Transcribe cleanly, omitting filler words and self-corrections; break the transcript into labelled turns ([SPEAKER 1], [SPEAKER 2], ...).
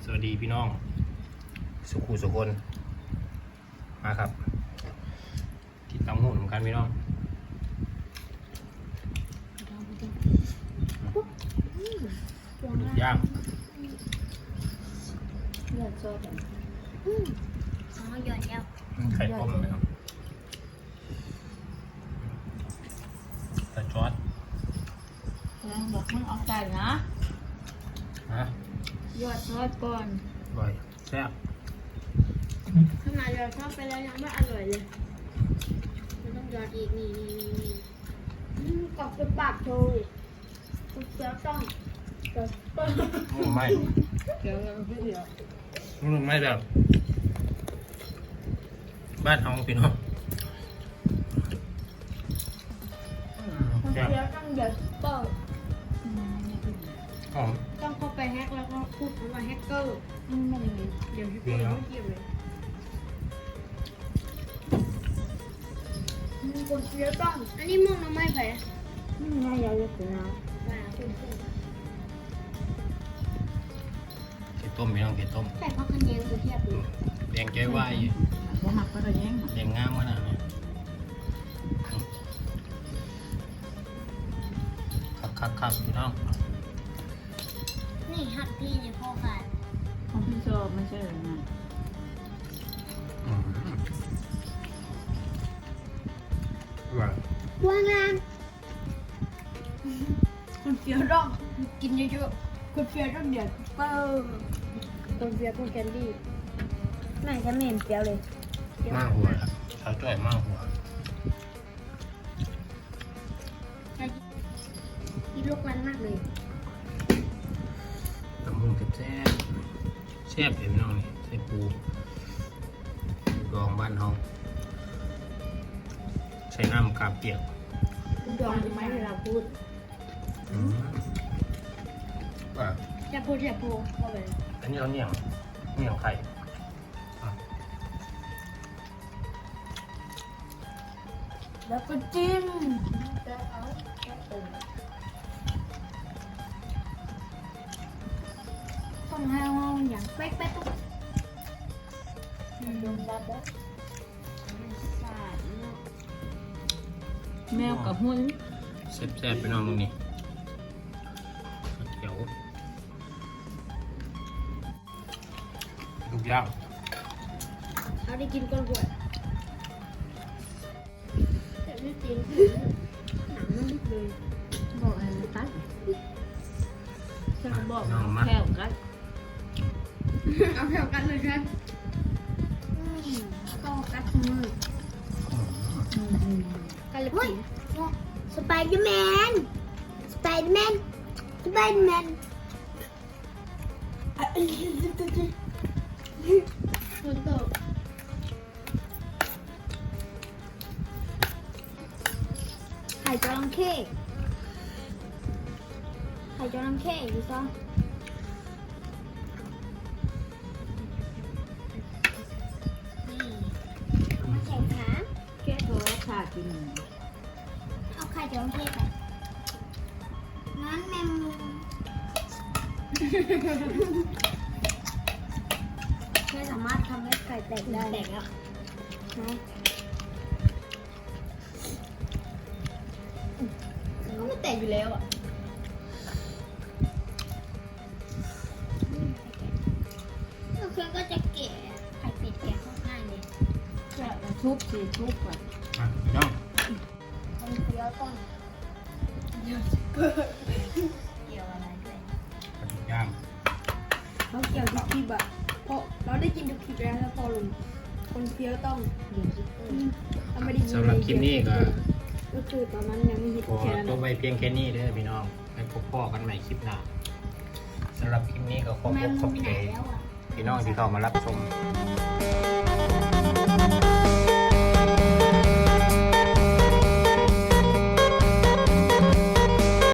[SPEAKER 1] วัสดีพี่น้องสุขุสุคนมาครับที่ตำหูเหมือนกันพี่น้องดุกย่าง
[SPEAKER 2] เลือดโซ่กันอ๋อหยอดแล้ว
[SPEAKER 1] ไข่ต้มไหมครับไข่จอด
[SPEAKER 2] บอกมึงเอาใส่นะ
[SPEAKER 1] ฮะ
[SPEAKER 2] หยอดซอสก่อน
[SPEAKER 1] อร่อยแซ่บ
[SPEAKER 2] ขนาดหยอดซอสไปแล้วยังไม่อร่อยเลยมันต้องหยอดอีกนี่กรอบเป็นปากโชว์คุณเจ้าต้อง
[SPEAKER 1] ไม่
[SPEAKER 2] เดี๋ยวเราไม่เดี๋ยว
[SPEAKER 1] ไม่แบบบ้านเฮาพี่น้อง
[SPEAKER 2] คุณเจ้าต้องหยอดเปิด
[SPEAKER 1] หอม
[SPEAKER 2] ต้องเข้าไปแฮกแล้วก็พูดคำว่าแฮกเกอร์มันเดี๋ยวแฮกเกอร์ไม่เกี่ยวเลยคนเยอะต้องอันนี้มึงน้ำไม่แพ้ไม่ยาวเยอะถึงแล้ว
[SPEAKER 1] เผ็ดต้มพี่น้องเผ็ดต้ม
[SPEAKER 2] แต่พักกันเย็นกูเทียบดู
[SPEAKER 1] แดงใจไหว
[SPEAKER 3] ว่าหักก็ได้ยัง
[SPEAKER 1] แดงงามขนาดนี้ครับพี่น้อง
[SPEAKER 2] นี่หักที่ในพ่อขาด
[SPEAKER 3] ของพี่โซไม่ใช่หรือไง
[SPEAKER 1] ว่าง
[SPEAKER 2] านคนเฟี้ยวต้องกินเยอะๆคนเฟี้ยวต้องเดือดเปิ้ลคนเฟี้ยวคนแคนดี้แม่จะเหม็นเฟี้ยวเลย
[SPEAKER 1] มากหัวครับเท้าจ่อยมากหัว
[SPEAKER 2] ที่ลูกมันมากเลย
[SPEAKER 1] ตำมุงแซ่บแซ่บเห็นน้องนี่ใส่ปูดองบ้านเฮาใช้น้ำกาเปียก
[SPEAKER 2] ดองไหมเวลาพูด
[SPEAKER 1] ว่า
[SPEAKER 2] อย่าพูดเข้าไป
[SPEAKER 1] อันนี้เราเหนียวไข่
[SPEAKER 2] แล้วก็จิ้มต้องให้ห้องอย่างเป๊ะดมดับแล้ว
[SPEAKER 3] แมวกับหุ้น
[SPEAKER 1] แซ่บไปน้องตรงนี้เดี๋ยวลูกย่าง
[SPEAKER 2] เขาได้กินก้อนขวดแต่ไม่กินหนังมันลึกเลย
[SPEAKER 3] บอกอะไรนะตั๊กจะบอกแค่กัด
[SPEAKER 2] เอาแถวกันเลยครับก็กัดมือกันเลยสไปเดอร์แมนฝนตกไข่จระเข้ดูซะมาใส่ขา
[SPEAKER 3] แค่โทรขาดกิน
[SPEAKER 2] เอาไข่จระเข้ไปงั้นแมงมุมไม่สามารถทำให้ไข่แตกได้แตกแล้วก็ไม่แตกอยู่แล้วอ่ะเครื่องก็จะแกะไข่เป็ดแกะค่อนข้างเลย
[SPEAKER 3] จะทุบก่อน
[SPEAKER 1] น้อง
[SPEAKER 2] มันเคี้ยวต้นเกี่ยวอะไรด้วย
[SPEAKER 1] ลูกย่าง
[SPEAKER 2] เราเกี่ยวทุกคลิปอะเพราะเราได้กินทุกคลิปแล้วพอลงคนเคี้ยวต้อง
[SPEAKER 1] สำหรับคลิปนี้
[SPEAKER 2] ก็คือตอนนั้นยังไม่ฮิต
[SPEAKER 1] ขอตัวไปเพียงแค่นี้เด้อพี่น้องให้พบพ่อกันใหม่คลิปหน้าสำหรับคลิปนี้ก็ขอบคุณพี่น้องที่เข้ามารับชม